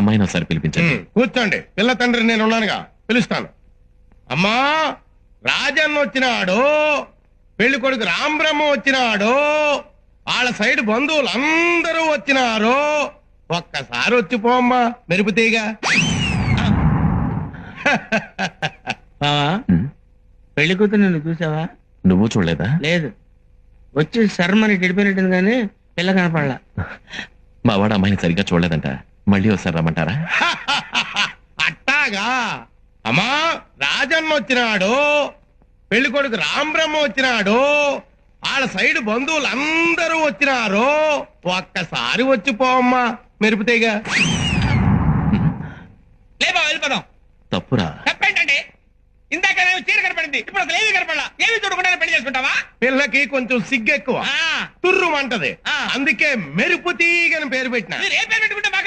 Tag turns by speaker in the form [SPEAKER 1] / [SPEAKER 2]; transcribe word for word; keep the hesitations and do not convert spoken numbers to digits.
[SPEAKER 1] అమ్మాయిని ఒకసారి పిలిపించండి.
[SPEAKER 2] కూర్చోండి, పిల్ల తండ్రి నేను ఉన్నానుగా, పిలుస్తాను. అమ్మా, రాజన్న వచ్చినాడు, పెళ్లి కొడుకు రాంబ్రహ్మ వచ్చినాడు, వాళ్ళ సైడ్ బంధువులు అందరూ వచ్చినారు. ఒక్కసారి వచ్చిపోమ్మా మెరుపుతీగా.
[SPEAKER 3] బావా,
[SPEAKER 1] ఉమ్,
[SPEAKER 3] పెళ్లి కూతురు నిన్ను చూసావా?
[SPEAKER 1] నువ్వు చూడలేదా?
[SPEAKER 3] లేదు, వచ్చి శర్మని గడిపోయినట్టుంది కానీ పిల్ల కనపడలా.
[SPEAKER 1] మా వాడు అమ్మాయిని సరిగ్గా చూడలేదంట. మళ్ళీ ఒకసారి రమ్మంటారా?
[SPEAKER 2] అట్టాగా. అమ్మా, రాజన్న వచ్చినాడు, పెళ్లి కొడుకు రాంబ్రహ్మ వచ్చినాడు, వాళ్ళ సైడ్ బంధువులు అందరూ వచ్చినారు. ఒక్కసారి వచ్చిపోమ్మా మెరుపుతీగా.
[SPEAKER 4] లేబా వెళ్ళిపోదాం.
[SPEAKER 1] తప్పురా.
[SPEAKER 4] తప్పేంటండి? ఇందాక నేను చీర కనపడింది, ఇప్పుడు అసలు ఏమీ కనపడలా. ఏమి చూడకుండా పెళ్లి చేసుకుంటావా?
[SPEAKER 2] పిల్లకి కొంచెం సిగ్గెక్కువ,
[SPEAKER 4] ఆ,
[SPEAKER 2] తుర్రుమంటది,
[SPEAKER 4] ఆ.
[SPEAKER 2] అందుకే మెరుపు తీగని పేరు పెట్టిన.
[SPEAKER 4] మీరు ఏ పేరు పెట్టుకుంటే మాకు